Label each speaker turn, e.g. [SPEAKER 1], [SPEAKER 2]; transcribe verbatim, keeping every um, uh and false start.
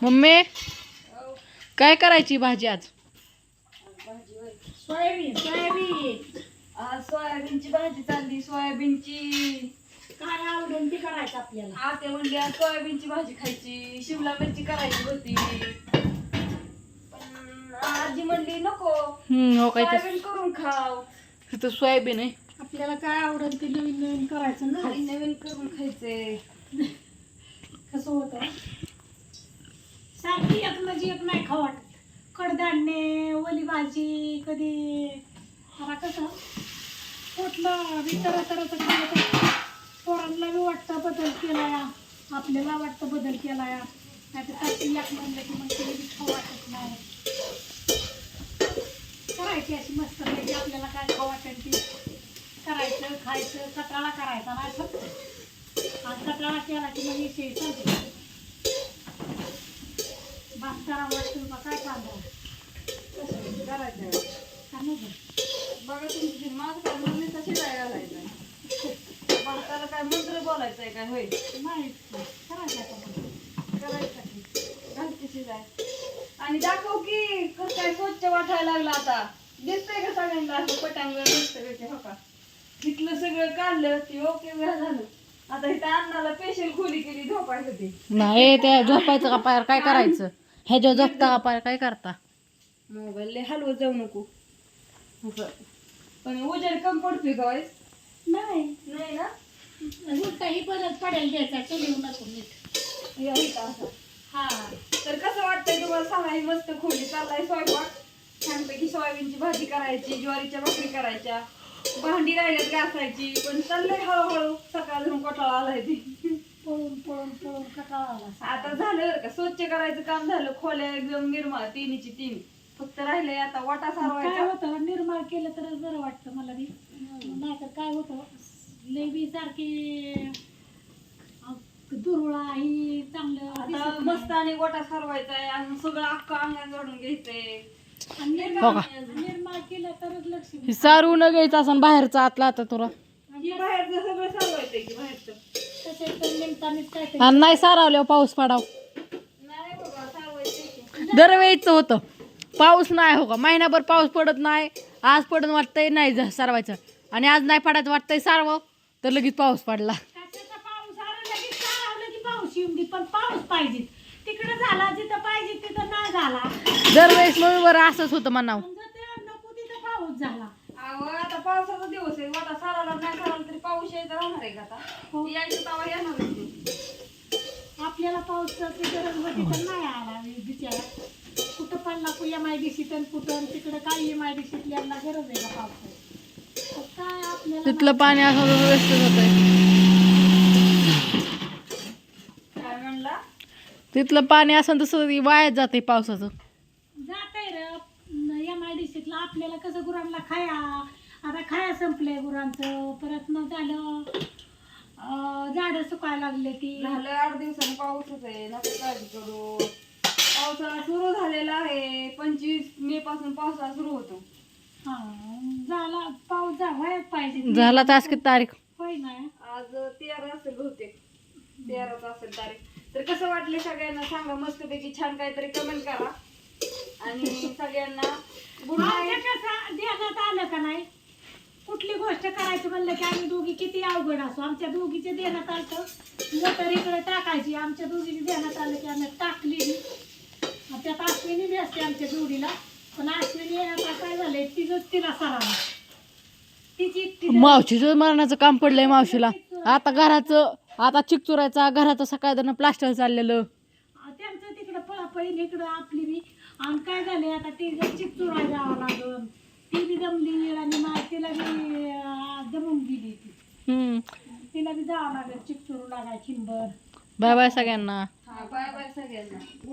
[SPEAKER 1] Mummy काय करायची भाजी आज?
[SPEAKER 2] सोयाबीन सोयाबीन
[SPEAKER 3] आज सोयाबीनची भाजी चालली. सोयाबीनची
[SPEAKER 2] काय आवडेल ती करायचं आपल्याला.
[SPEAKER 3] आते म्हणली आज सोयाबीनची भाजी खायची, शिमला मिरची करायची होती, पण आजी म्हणली नको
[SPEAKER 1] हम्म हो काय
[SPEAKER 3] सोयाबीन करून खाव.
[SPEAKER 1] तिथं सोयाबीन आहे.
[SPEAKER 2] आपल्याला काय आवडेल ते नवीन नवीन करायचं ना.
[SPEAKER 3] नवीन नवीन करून खायचे.
[SPEAKER 2] कसं होतं सारखी एक म्हणजे एक नाही खाऊ वाटत. कडधान्य ओली भाजी कधी आता कसं पोटलं बी तर तर पोरांना बी वाटतं बदल केला या, आपल्याला वाटतं बदल केला या. नाही तर सारखी एक म्हणलं की मग ते बी खाऊ वाटत नाही. करायची अशी मस्त पाहिजे आपल्याला काय खाऊ वाटेल ती करायचं खायचं. कटाळा करायचा नाही फक्त. आज कटाळा केला की मग विषय चालते. भात करावं वाटतं का काय चाललं
[SPEAKER 3] कसं करायचं
[SPEAKER 2] का नाही.
[SPEAKER 3] बघा तुमची माझं काय मम्मी तशी काय घालायचं भाताला काय मंत्र बोलायचंय काय होय
[SPEAKER 2] नाही करायचं आपण
[SPEAKER 3] करायचं की घालते शिजाय. आणि दाखव की कसं काय स्वच्छ वाटायला लागलं आता. दिसतंय का सगळ्यांना असं पटांगण दिसतंय का? हो का तिथलं सगळं काढलं ती ओके वेळ झालं. आता इथं अन्नाला स्पेशल खोली केली झोपायसाठी.
[SPEAKER 1] नाही त्या झोपायचं का पायर काय करायचं? ह्याच्या झोपता का पायर काय करता?
[SPEAKER 3] मोबाईल लय हलवत जाऊ नको असं. पण उजेड कम पडतोय का वाईस?
[SPEAKER 2] नाही
[SPEAKER 3] नाही ना.
[SPEAKER 2] उलटाही परत पडेल द्यायचा चलिव नको नीट
[SPEAKER 3] या इथं असं.
[SPEAKER 2] हा.
[SPEAKER 3] तर कसं वाटतंय तुम्हाला सांगा. ही मस्त खोली चाललाय स्वयंपाक. छानपैकी सोयाबीनची भाजी करायची, ज्वारीच्या भाकरी करायच्या, भांडी राहिल्यात घासायची. पण चाललंय हळूहळू. सकाळ धरून कोटाळा आलाय ती.
[SPEAKER 2] पळून पळून पळून कटाळा आला.
[SPEAKER 3] आता झालं बरं का स्वच्छ करायचं काम झालं. खोल्या एकदम निर्मळ तिन्हीची तीन. फक्त राहिले आता वाटा
[SPEAKER 2] काय
[SPEAKER 3] सारवायचा.
[SPEAKER 2] होतं निर्माण केलं तरच बरं वाटतं मला बी. नाहीतर काय होतं लय बी सारखी दुरळा ही चांगलं
[SPEAKER 3] आता
[SPEAKER 2] दिसत
[SPEAKER 3] मस्त
[SPEAKER 2] नाही.
[SPEAKER 3] आणि गोटा सारवायचा आहे आणि सगळं अख्खं अंगण जोडून घ्यायचंय.
[SPEAKER 2] आणि
[SPEAKER 1] हो
[SPEAKER 2] निर्माण
[SPEAKER 1] का?
[SPEAKER 2] निर्माण केलं तरच लक्ष
[SPEAKER 1] हे सारू न घ्यायचं असं बाहेरचा आतला आता तुला.
[SPEAKER 3] हे बाहेरचं सगळं सारवायचंय की बाहेरचं.
[SPEAKER 2] तसेच तर निमतानीच काय ते
[SPEAKER 1] आणि नाही सारावल्यावर पाऊस पडाव.
[SPEAKER 3] नाही बाबा सारवायचंय की.
[SPEAKER 1] दरवेळीच होतं पाऊस नाही हो का. महिनाभर पाऊस पडत नाही. आज पडून वाटतंय नाही जा- सारवायचं आणि आज नाही पडायचं वाटतंय सारव तर लगेच पाऊस पडला.
[SPEAKER 2] कशाचा पाऊस आला लगेच सारवलं की पाऊस येऊन दे. पण पाऊस पाहिजे तिकडे झाला जिथं पाहिजे तिथं नाही झाला.
[SPEAKER 1] दरवेळेस मग बरं असंच होतं म्हणावं.
[SPEAKER 2] समजा ते नको तिथं पाऊस झाला.
[SPEAKER 3] अहो आता पावसाचा दिवस आहे. वाटा साराला नाही साराला तरी पाऊस यायचा राहणार आहे का आता?
[SPEAKER 2] हो.
[SPEAKER 3] यायचं तवा येणार आहे ते.
[SPEAKER 2] आपल्याला पावसाची गरज होती तर नाही आला बिचारा. कुठं पडला कु एम आय डी सी तर कुठं तिकडं काय एम आय डी सीतल्यांना गरज आहे का पावसाची. तर काय आपल्याला
[SPEAKER 1] तिथलं पाणी असं व्यवस्थित होतंय.
[SPEAKER 3] काय म्हणला?
[SPEAKER 1] तिथलं पाणी असं तसं वायाच जाते पावसाचं.
[SPEAKER 2] जातंय र एम आय डी सीतला. आपल्याला कसं गुरांना खाया आता खाया संपलंय गुरांचं. परत मग झालं झाडं सुकायला लागले ती.
[SPEAKER 3] झालं आठ दिवसांनी पाऊसच आहे. नका काळजी करू. पावसाळा सुरू झालेला आहे. पंचवीस मे पासून पावसाळा सुरू होतो.
[SPEAKER 2] हा झाला पाऊस जा व्हायच पाहिजे.
[SPEAKER 1] झाला तास किती तारीख?
[SPEAKER 2] होय नाही
[SPEAKER 3] आज तेरा असेल बहुतेक. तेराच असेल तारीख. तर कसं वाटले सगळ्यांना सांगा. मस्तपैकी छान काहीतरी कमेंट करा. आणि सगळ्यांना गुड
[SPEAKER 2] आमच्या
[SPEAKER 3] नाईट.
[SPEAKER 2] कसं ध्यानात आलं का नाही. कुठली गोष्ट करायची म्हणलं की आम्ही दोघी किती अवघड असो आमच्या दोघीचे ध्यानात आलं मोटर इकडे टाकायची. आमच्या दोघीचे ध्यानात आलं की आम्ही टाकली बी. त्यात अश्विनी बी असते आमच्या जोडीला. पण अश्विनी आता काय झालंय तिचंच तिला सरावं तिची एकटी
[SPEAKER 1] मावशीचं मरणाचं काम पडलंय मावशीला. आता घराचं आता चिक चुरायचा घराचं सकाळ प्लास्टर चाललेलं.
[SPEAKER 2] त्यांचं तिकडं पळापळी इकडं आपली बी. आणि काय झाले आता ती जर चिक चुरायला जावं लागल. ती बी जमली आणि मा तिला बी अं, जमून गेली ती.
[SPEAKER 1] हम्म.
[SPEAKER 2] तिला बी जावं लागेल चिक चुरू लागाय चिंबर.
[SPEAKER 1] बाय बाय सगळ्यांना.
[SPEAKER 3] हा बाय बाय सगळ्यांना.